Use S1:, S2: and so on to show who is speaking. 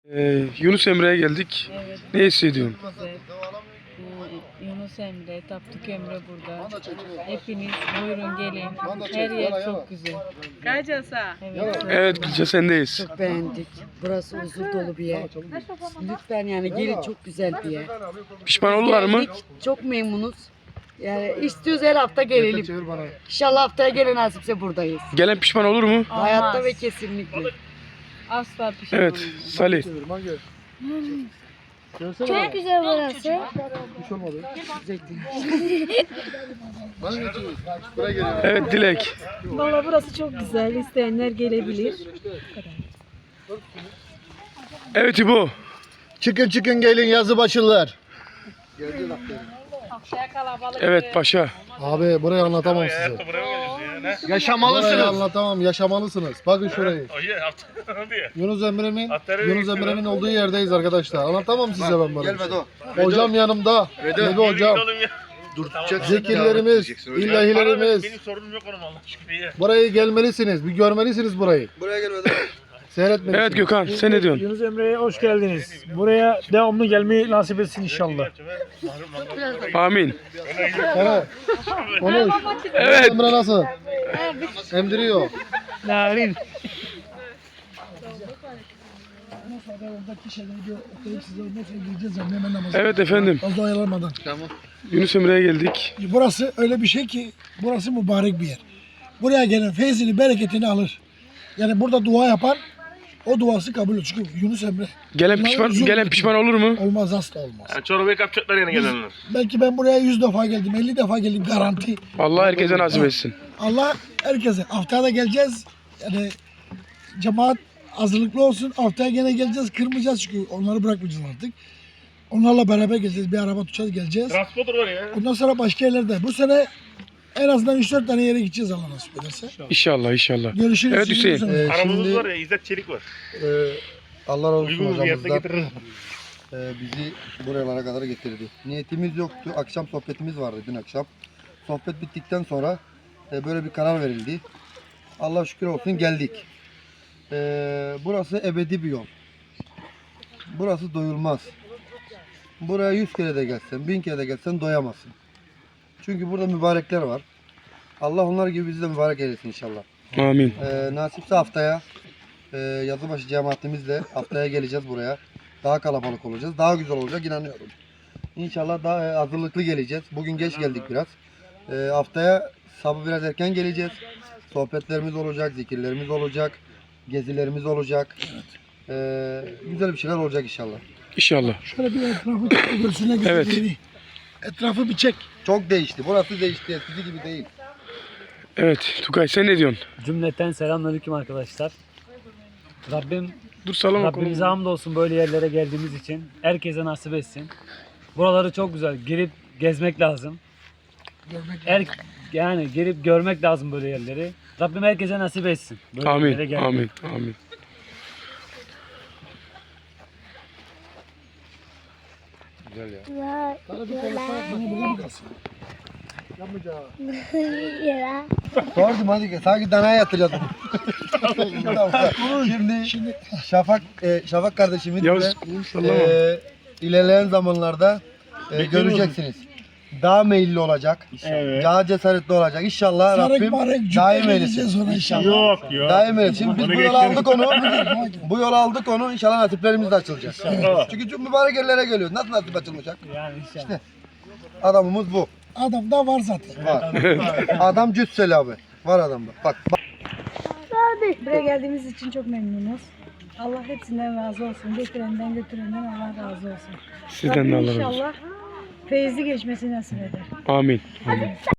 S1: Yunus Emre'ye geldik.
S2: Evet.
S1: Ne hissediyorsun?
S2: Güzel. Yunus Emre, Tapduk Emre burada. Hepiniz buyurun gelin. Her yer çok güzel. Kacasa. Evet.
S1: Evet Gülce sendeyiz.
S3: Çok beğendik. Burası huzur dolu bir yer. Lütfen yani gelin, çok güzel bir yer.
S1: Pişman oldular mı?
S3: Geldik, çok memnunuz. Yani istiyoruz her hafta gelelim. İnşallah haftaya gelen nasipse buradayız.
S1: Gelen pişman olur mu?
S3: Hayatta ve kesinlikle.
S2: Asla pişman
S1: Evet
S2: olmayın.
S1: Salih.
S4: Çok güzel burası.
S1: Evet Dilek.
S5: Valla burası çok güzel. İsteyenler gelebilir.
S1: Evet İbo.
S6: Çıkın çıkın gelin yazı başlılar.
S1: Evet Paşa.
S6: Abi burayı anlatamam size. Burayı anlatamam, yaşamalısınız. Bakın şurayı. Yunus Emre'nin olduğu yerdeyiz arkadaşlar. Anlatamam size ben burayı. Hocam yanımda. Nebi hocam. Zikirlerimiz, ilahilerimiz.
S7: Benim sorunum yok onun Allah şükür.
S6: Burayı gelmelisiniz. Bir görmelisiniz burayı.
S7: Buraya gelmeden.
S6: Seyretmelisiniz.
S1: Evet Gökhan sen ne diyorsun?
S8: Yunus Emre'ye hoş geldiniz. Buraya devamlı gelmeyi nasip etsin inşallah.
S1: Amin.
S6: Evet. Konuş.
S1: Evet.
S6: Emre nasıl? Emdiriyor.
S8: Narin.
S1: Evet efendim.
S9: Fazla oyalanmadan.
S1: Yunus Emre'ye geldik.
S9: Burası öyle bir şey ki burası mübarek bir yer. Buraya gelen feyzini, bereketini alır. Yani burada dua yapan o duası kabul olur. Çünkü Yunus Emre
S1: Gelen pişman olur mu?
S9: olmaz, asla olmaz.
S7: Yani çorbayı kapacaklar yine gelenler.
S9: Belki ben buraya 100 defa geldim, 50 defa geldim garanti.
S1: Allah herkese nasip etsin.
S9: Allah herkese. Haftaya da geleceğiz. Yani cemaat hazırlıklı olsun. Haftaya gene geleceğiz. Kırmayacağız çünkü onları bırakmayacağız artık. Onlarla beraber geleceğiz. Bir araba tutacağız, geleceğiz.
S7: Transporter var ya.
S9: Ondan sonra başka yerlerde. Bu sene en azından 3-4 tane yere gideceğiz Allah nasip ederse.
S1: İnşallah inşallah.
S9: Görüşürüz.
S1: Evet Hüseyin.
S7: Aramızda var ya İzzet Çelik var.
S6: Allah razı olsun
S7: Uygun bir yerde
S6: hocamızdan.
S7: getirir.
S6: Bizi buralara kadar getirdi. Niyetimiz yoktu. Akşam sohbetimiz vardı dün akşam. Sohbet bittikten sonra böyle bir karar verildi. Allah şükür olsun geldik. Burası ebedi bir yol. Burası doyulmaz. Buraya 100 kere de gelsen, 1000 kere de gelsen doyamazsın. Çünkü burada mübarekler var. Allah onlar gibi bizi de mübarek eylesin inşallah.
S1: Amin.
S6: Nasipse haftaya Yazıbaşı cemaatimizle haftaya geleceğiz buraya. Daha kalabalık olacağız. Daha güzel olacak inanıyorum. İnşallah daha hazırlıklı geleceğiz. Bugün geç geldik biraz. Haftaya sabah biraz erken geleceğiz. Sohbetlerimiz olacak, zikirlerimiz olacak, gezilerimiz olacak. Güzel bir şeyler olacak inşallah.
S1: İnşallah.
S9: Şöyle bir etrafı görsüne göster.
S1: Evet.
S9: Etrafı bir çek.
S6: Çok değişti. Burası değişti. Eskisi gibi değil.
S1: Evet Tugay sen ne diyorsun?
S8: Cümleten selamünaleyküm arkadaşlar.
S1: Dur salama
S8: Rabbimize hamdolsun böyle yerlere geldiğimiz için. Herkese nasip etsin. Buraları çok güzel. Girip gezmek lazım. Yani girip görmek lazım böyle yerleri. Rabbim herkese nasip etsin. Böyle yerlere
S1: Amin.
S8: gelmek.
S1: Amin. Amin.
S6: Sordum hadi sanki danaya yatıracaktım. Şimdi Şafak kardeşimiz
S1: Yavuz sallama.
S6: ilerleyen zamanlarda göreceksiniz. Daha meyilli olacak.
S8: Evet.
S6: Daha cesaretli olacak. İnşallah Rabbim daim eylesin.
S9: İnşallah.
S8: Yok yok.
S6: Daim eylesin. Şimdi biz bu yolu aldık onu. Bu yolu aldık onu. İnşallah nasiplerimiz de açılacak. Çünkü çok mübarek yerlere geliyoruz. Nasıl nasip açılmayacak?
S8: Yani inşallah.
S6: Adamımız bu.
S9: Adam da var zaten.
S6: Var. Adam cüsseli abi. Var adamda. Bak.
S5: Buraya geldiğimiz için çok memnunuz. Allah hepsinden razı olsun. Getirenden götürenden Allah razı olsun.
S1: Sizden de
S5: Rabbim
S1: Allah razı olsun.
S5: inşallah feyizli geçmesi nasip eder.
S1: Amin. Amin.